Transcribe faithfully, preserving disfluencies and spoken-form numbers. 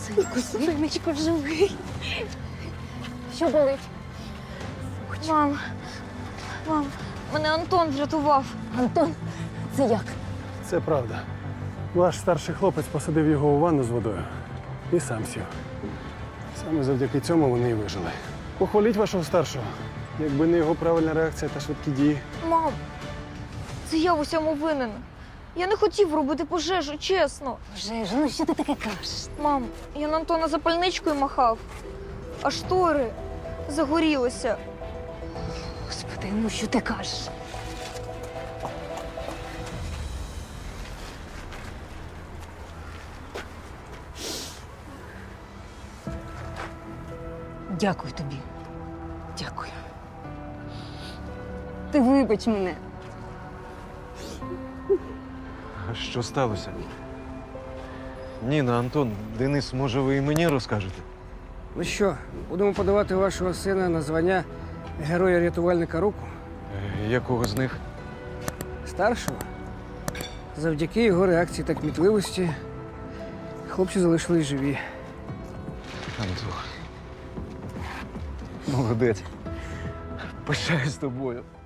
Синку, синочку, живий. Що болить? Мам, мам, мене Антон врятував. Антон, це як? Це правда. Ваш старший хлопець посадив його у ванну з водою і сам сів. Саме завдяки цьому вони і вижили. Похваліть вашого старшого. Якби не його правильна реакція та швидкі дії. Мам, це я в усьому винен. Я не хотів робити пожежу, чесно. Вже ж, ну що ти таке кажеш? Мам, я на Антона запальничкою махав, а штори загорілися. Господи, ну що ти кажеш? Дякую тобі. Дякую. Ти вибач мене. А що сталося? Ніна, Антон, Денис, може, ви і мені розкажете? Ну що, будемо подавати вашого сина на звання героя-рятувальника року? Е, Якого з них? Старшого. Завдяки його реакції та кмітливості хлопці залишились живі. Антон. Молодець. Пишаюсь тобою.